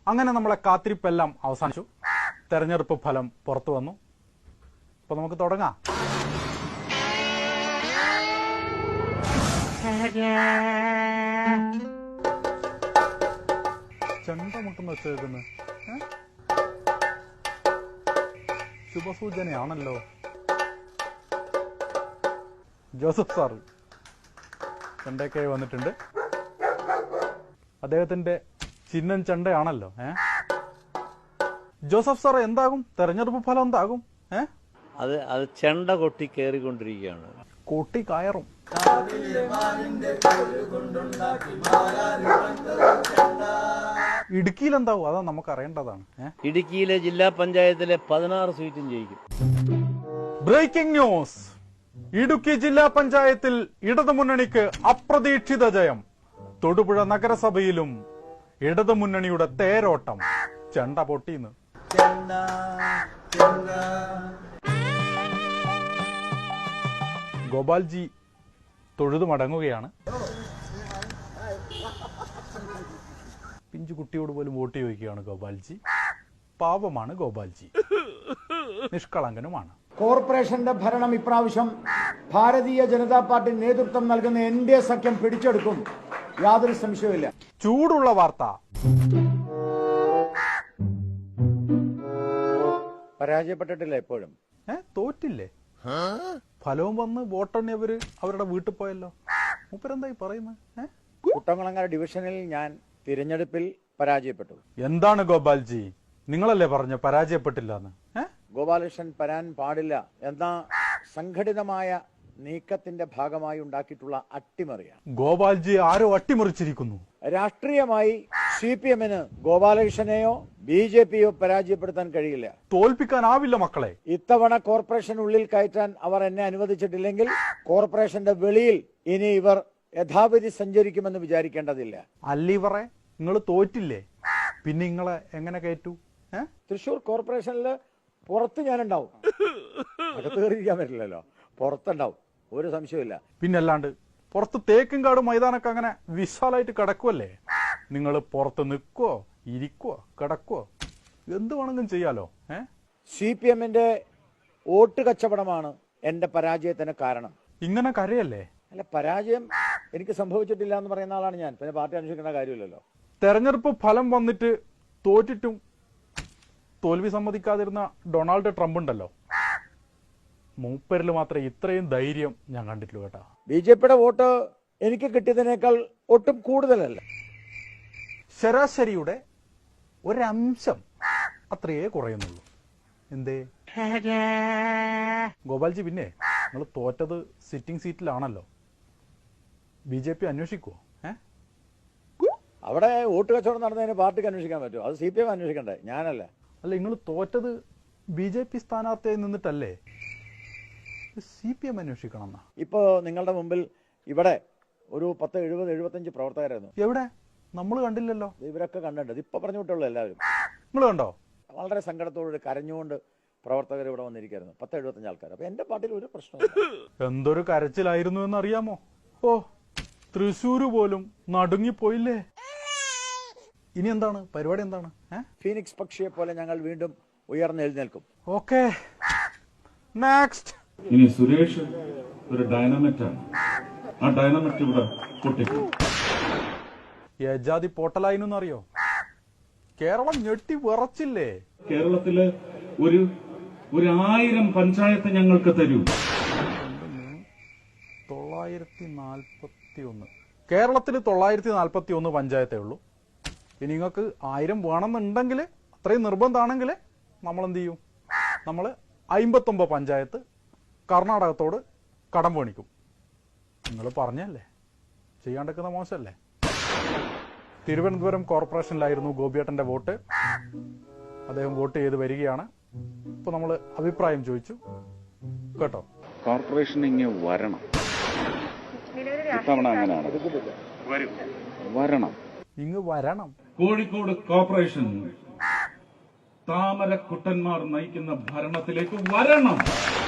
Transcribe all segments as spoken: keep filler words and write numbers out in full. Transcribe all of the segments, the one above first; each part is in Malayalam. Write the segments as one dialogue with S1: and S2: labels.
S1: അങ്ങനെ നമ്മളെ കാത്തിരിപ്പെല്ലാം അവസാനിച്ചു. തെരഞ്ഞെടുപ്പ് ഫലം പുറത്തു വന്നു. അപ്പൊ നമുക്ക് തുടങ്ങാം. ചെണ്ട മുട്ടെന്ന് വെച്ചേക്കുന്നത് ശുഭസൂചനയാണല്ലോ. ജോസഫ് സാറ് ചെണ്ടയൊക്കെ വന്നിട്ടുണ്ട്. അദ്ദേഹത്തിന്റെ ചിഹ്നം ചെണ്ടയാണല്ലോ. ഏ ജോസഫ് സാർ, എന്താകും തെരഞ്ഞെടുപ്പ് ഫലം? എന്താകും? ഏ
S2: അത് അത് ചെണ്ട കൊട്ടി കയറിക്കൊണ്ടിരിക്കുകയാണ്.
S1: കൊട്ടി കയറും. ഇടുക്കിയിൽ എന്താവും? അതാ നമുക്ക് അറിയേണ്ടതാണ്.
S2: ഇടുക്കിയിലെ ജില്ലാ പഞ്ചായത്തിലെ പതിനാറ് സീറ്റും ജയിക്കും.
S1: Breaking news. ഇടുക്കി ജില്ലാ പഞ്ചായത്തിൽ ഇടതുമുന്നണിക്ക് അപ്രതീക്ഷിത ജയം. തൊടുപുഴ നഗരസഭയിലും ഇടതുമുന്നണിയുടെ തേരോട്ടം. ചെണ്ട പൊട്ടിന്ന്. ഗോപാൽജി തൊഴുതു മടങ്ങുകയാണ്. പിഞ്ചു കുട്ടിയോട് പോലും വോട്ട് ചോദിക്കുകയാണ് ഗോപാൽജി. പാവമാണ് ഗോപാൽജി, നിഷ്കളങ്കനുമാണ്.
S3: കോർപ്പറേഷന്റെ ഭരണം ഇപ്രാവശ്യം ഭാരതീയ ജനതാ പാർട്ടി നേതൃത്വം നൽകുന്ന എൻ ഡി എ സഖ്യം പിടിച്ചെടുക്കും, യാതൊരു സംശയവുമില്ല.
S1: ചൂടുള്ള വാർത്ത.
S3: പരാജയപ്പെട്ടിട്ടില്ല എപ്പോഴും.
S1: ഏ തോറ്റില്ലേ? ഫലവും വന്ന് വോട്ടെണ്ണിയവര് അവരുടെ വീട്ടിൽ പോയല്ലോ. മൂപ്പരെന്തായി പറയുന്നത്?
S3: കുട്ടംകുളങ്ങര ഡിവിഷനിൽ ഞാൻ തിരഞ്ഞെടുപ്പിൽ പരാജയപ്പെട്ടു.
S1: എന്താണ് ഗോപാൽജി, നിങ്ങളല്ലേ പറഞ്ഞ പരാജയപ്പെട്ടില്ല എന്ന്?
S3: ഗോപാലകൃഷ്ണൻ വരാൻ പാടില്ല എന്ന സംഘടിതമായ നീക്കത്തിന്റെ ഭാഗമായി ഉണ്ടാക്കിയിട്ടുള്ള അട്ടിമറിയാണ്.
S1: ഗോപാൽജി ആരോ അട്ടിമറിച്ചിരിക്കുന്നു.
S3: രാഷ്ട്രീയമായി സി പി എമ്മിന് ഗോപാലകൃഷ്ണനെയോ ബി ജെ പിയോ പരാജയപ്പെടുത്താൻ കഴിയില്ല.
S1: തോൽപ്പിക്കാനാവില്ല മക്കളെ.
S3: ഇത്തവണ കോർപ്പറേഷൻ ഉള്ളിൽ കയറ്റാൻ അവർ എന്നെ അനുവദിച്ചിട്ടില്ലെങ്കിൽ കോർപ്പറേഷന്റെ വെളിയിൽ ഇനി ഇവർ യഥാവിധി സഞ്ചരിക്കുമെന്ന് വിചാരിക്കേണ്ടതില്ല.
S1: അല്ലിവറെ, നിങ്ങൾ തോറ്റില്ലേ, പിന്നെ നിങ്ങളെ എങ്ങനെ കയറ്റു?
S3: തൃശൂർ കോർപ്പറേഷനിൽ പുറത്ത് ഞാനുണ്ടാവും, അകത്ത് കയറിയിരിക്കാൻ പറ്റില്ലല്ലോ, പുറത്തുണ്ടാവും, ഒരു സംശയമില്ല.
S1: പിന്നല്ലാണ്ട് പുറത്ത് തേക്കുംകാട് മൈതാനൊക്കെ അങ്ങനെ വിശാലായിട്ട് കിടക്കുവല്ലേ. നിങ്ങൾ പുറത്ത് നിൽക്കുവോ, ഇരിക്കുവോ, കിടക്കുവോ, എന്ത് വേണമെങ്കിലും ചെയ്യാലോ. ഏ
S3: സി പി എമ്മിന്റെ വോട്ട് കച്ചവടമാണ് എന്റെ പരാജയത്തിന് കാരണം.
S1: ഇങ്ങനെ കരയല്ലേ?
S3: അല്ല, പരാജയം എനിക്ക് സംഭവിച്ചിട്ടില്ല എന്ന് പറയുന്ന ആളാണ് ഞാൻ, പിന്നെ പാർട്ടി അന്വേഷിക്കേണ്ട കാര്യമില്ലല്ലോ.
S1: തെരഞ്ഞെടുപ്പ് ഫലം വന്നിട്ട് തോറ്റിട്ടും തോൽവി സമ്മതിക്കാതിരുന്ന ഡൊണാൾഡ് ട്രംപ് ഉണ്ടല്ലോ, മൂപ്പരിൽ മാത്രമേ ഇത്രയും ധൈര്യം ഞാൻ കണ്ടിട്ടുള്ളൂ കേട്ടാ.
S3: ബി ജെ പിയുടെ വോട്ട് എനിക്ക് കിട്ടിയതിനേക്കാൾ ഒട്ടും കൂടുതലല്ല,
S1: ശരാശരിയുടെ ഒരംശം അത്രയേ കുറയുന്നുള്ളൂ. എന്തേ ഗോപാൽജി? പിന്നെ നിങ്ങൾ തോറ്റത് സിറ്റിംഗ് സീറ്റിലാണല്ലോ, ബി ജെ പി അന്വേഷിക്കുവോ? ഏ
S3: അവിടെ വോട്ട് കച്ചവടം നടന്നതിന് പാർട്ടിക്ക് അന്വേഷിക്കാൻ പറ്റുമോ? അത് സി പി എം അന്വേഷിക്കണ്ടേ, ഞാനല്ല.
S1: അല്ല, നിങ്ങൾ തോറ്റത് ബി ജെ പി സ്ഥാനാർത്ഥിയായി നിന്നിട്ടല്ലേ, സി പി എം അന്വേഷിക്കണം എന്നാ.
S3: ഇപ്പോ നിങ്ങളുടെ മുമ്പിൽ ഇവിടെ ഒരു പത്ത് എഴുപത് എഴുപത്തഞ്ച് പ്രവർത്തകരായിരുന്നു.
S1: എവിടെ? നമ്മൾ കണ്ടില്ലല്ലോ.
S3: ഇവരൊക്കെ കണ്ടിട്ടുണ്ട്, ഇപ്പൊ പറഞ്ഞു വിട്ടുള്ളൂ എല്ലാവരും.
S1: നിങ്ങൾ കണ്ടോ?
S3: വളരെ സങ്കടത്തോട് കരഞ്ഞുകൊണ്ട് പ്രവർത്തകർ ഇവിടെ വന്നിരിക്കുന്നു, പത്ത് എഴുപത്തഞ്ച് ആൾക്കാർ. അപ്പൊ എന്റെ പാർട്ടിയിൽ ഒരു പ്രശ്നമില്ല.
S1: എന്തൊരു കരച്ചിലായിരുന്നു എന്ന് അറിയാമോ? ഓ, തൃശ്ശൂര് പോലും നടുങ്ങിപ്പോയില്ലേ. ഇനി എന്താണ് പരിപാടി? എന്താണ്?
S3: ഫീനിക്സ് പക്ഷിയെ പോലെ ഞങ്ങൾ വീണ്ടും ഉയർന്നെഴുന്നേൽക്കും.
S1: Okay, next.
S4: ഇനി സുരേഷ് ഒരു ഡൈനാമിറ്റാണ്, ആ ഡൈനാമിറ്റ് ഇവിടെ പൊട്ടിക്കും.
S1: യജാതി പോട്ടലായിന്ന് അറിയോ? കേരളം ഞെട്ടി വിറച്ചില്ലേ?
S4: കേരളത്തില് ഒരു ഒരു ആയിരം പഞ്ചായത്ത് ഞങ്ങൾക്ക് തരൂ.
S1: തൊള്ളായിരത്തി നാൽപ്പത്തി ഒന്ന് കേരളത്തിൽ തൊള്ളായിരത്തി നാൽപ്പത്തി ഒന്ന് പഞ്ചായത്തേ ഉള്ളൂ. ഇനി നിങ്ങൾക്ക് ആയിരം വേണമെന്നുണ്ടെങ്കിൽ, അത്രയും നിർബന്ധമാണെങ്കിൽ നമ്മൾ എന്ത് ചെയ്യും? നമ്മൾ അമ്പത്തൊമ്പത് പഞ്ചായത്ത് കർണാടകത്തോട് കടം മേടിക്കും. നിങ്ങൾ പറഞ്ഞല്ലേ, ചെയ്യാണ്ടിരിക്കുന്ന മോശമല്ലേ? തിരുവനന്തപുരം കോർപ്പറേഷനിലായിരുന്നു ഗോപിയേട്ടന്റെ വോട്ട്. അദ്ദേഹം വോട്ട് ചെയ്ത് വരികയാണ്. ഇപ്പൊ നമ്മൾ അഭിപ്രായം ചോദിച്ചു കേട്ടോ.
S5: കോർപ്പറേഷൻ ഇങ്ങനെ വരണം, ഇത്തവണ അങ്ങനെയാണ്, വരണം,
S1: ഇങ്ങ് വരണം.
S4: കോഴിക്കോട് കോർപ്പറേഷൻ താമരക്കുട്ടന്മാർ നയിക്കുന്ന ഭരണത്തിലേക്ക് വരണം.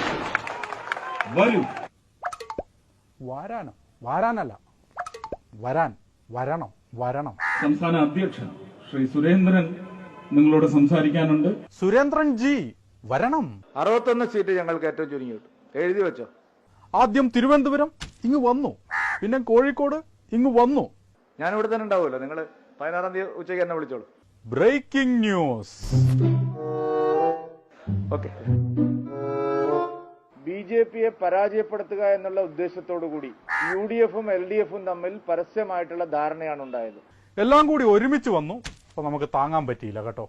S4: വരൂ.
S1: വരാനോ? വരാനല്ല, വരാൻ, വരണം, വരണം.
S4: സംസ്ഥാന അധ്യക്ഷൻ ശ്രീ സുരേന്ദ്രൻ നിങ്ങളോട് സംസാരിക്കാനുണ്ട്.
S1: സുരേന്ദ്രൻ ജി വരണം.
S3: അറുപത്തൊന്ന് സീറ്റ് ഞങ്ങൾക്ക് ഏറ്റവും ചുരുങ്ങി കിട്ടും. എഴുതി വെച്ചോ.
S1: ആദ്യം തിരുവനന്തപുരം ഇങ്ങ് വന്നു, പിന്നെ കോഴിക്കോട് ഇങ്ങ് വന്നു.
S3: ഞാൻ ഇവിടെ തന്നെ ഉണ്ടാവുമല്ലോ. നിങ്ങൾ പതിനാറാം തീയതി ഉച്ചയ്ക്ക് എന്നെ വിളിച്ചോളൂ.
S1: Breaking news.
S3: Okay. B J പിയെ പരാജയപ്പെടുത്തുക എന്നുള്ള ഉദ്ദേശത്തോടു കൂടി യു ഡി എഫും എൽ ഡി എഫും തമ്മിൽ പരസ്യമായിട്ടുള്ള ധാരണയാണ് ഉണ്ടായത്.
S1: എല്ലാം കൂടി ഒരുമിച്ച് വന്നു. അപ്പൊ നമുക്ക് താങ്ങാൻ പറ്റിയില്ല കേട്ടോ.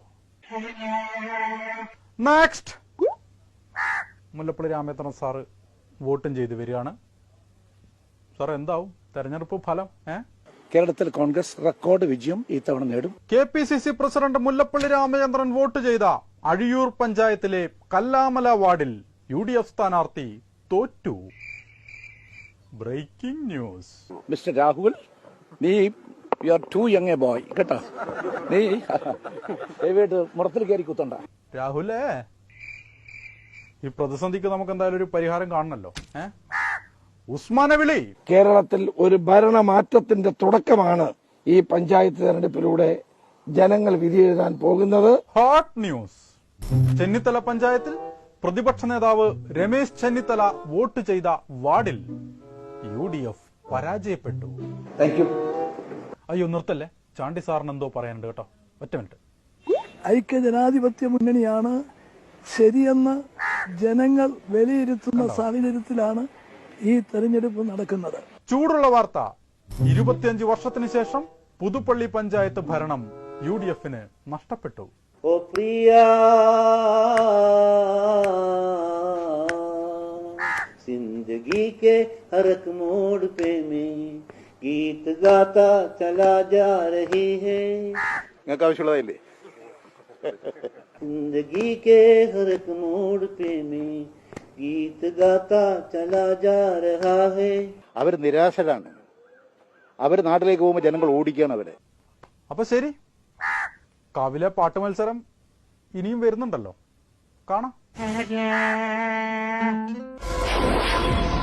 S1: നെക്സ്റ്റ്, മുല്ലപ്പള്ളി രാമചന്ദ്രൻ സാറ് വോട്ടും ചെയ്ത് വരികയാണ്. സാർ എന്താവും തെരഞ്ഞെടുപ്പ് ഫലം? ഏ
S6: കേരളത്തിൽ കോൺഗ്രസ് റെക്കോർഡ് വിജയം ഇത്തവണ നേടും.
S1: K P C C president Mullappally Ramachandran vote ചെയ്ത അഴിയൂർ പഞ്ചായത്തിലെ കല്ലാമല വാർഡിൽ യു ഡി എഫ് സ്ഥാനാർത്ഥി തോറ്റു. Breaking news.
S6: മിസ്റ്റർ രാഹുൽ, നീ you are too young a boy കേട്ടോ. നീ ദയവായിട്ട് മുറത്തിൽ കയറി കുത്തണ്ട.
S1: രാഹുലേ, ഈ പ്രതിസന്ധിക്ക് നമുക്ക് എന്തായാലും ഒരു പരിഹാരം കാണണല്ലോ. ഏ ഉസ്മാനെ വിളി.
S7: കേരളത്തിൽ ഒരു ഭരണമാറ്റത്തിന്റെ തുടക്കമാണ് ഈ പഞ്ചായത്ത് തെരഞ്ഞെടുപ്പിലൂടെ ജനങ്ങൾ വിധിയെഴുതാൻ പോകുന്നത്.
S1: Hot news. ചെന്നിത്തല പഞ്ചായത്തിൽ പ്രതിപക്ഷ നേതാവ് രമേശ് ചെന്നിത്തല വോട്ട് ചെയ്ത വാർഡിൽ യു ഡി എഫ് പരാജയപ്പെട്ടു. അയ്യോ നിർത്തല്ലേ, ചാണ്ടി സാറിന് എന്തോ പറയാനുണ്ട് കേട്ടോ. ഒറ്റ മിനിറ്റ്.
S8: ഐക്യജനാധിപത്യ മുന്നണിയാണ് ശരിയെന്ന് ജനങ്ങൾ വിലയിരുത്തുന്ന സാഹചര്യത്തിലാണ് ഈ തെരഞ്ഞെടുപ്പ് നടക്കുന്നത്.
S1: ചൂടുള്ള വാർത്ത. ഇരുപത്തിയഞ്ച് വർഷത്തിന് ശേഷം പുതുപ്പള്ളി പഞ്ചായത്ത് ഭരണം യു ഡി എഫിന് നഷ്ടപ്പെട്ടു.
S2: ओ प्रिया जिंदगी के हर एक मोड़ पे मैं गीत गाता चला जा रही है.
S3: നിങ്ങൾക്ക് ആവശ്യമുള്ളതായില്ലേ?
S2: जिंदगी के हर एक मोड़ पे मैं गीत गाता चला जा रहा है.
S3: അവർ നിരാശരാണ്. അവർ നാട്ടിലേക്ക് പോകുമ്പോൾ ജനങ്ങൾ ഓടിക്കുകയാണ് അവരെ.
S1: അപ്പൊ ശരി, കാവിലെ പാട്ട് മത്സരം ഇനിയും വരുന്നുണ്ടല്ലോ, കാണാം.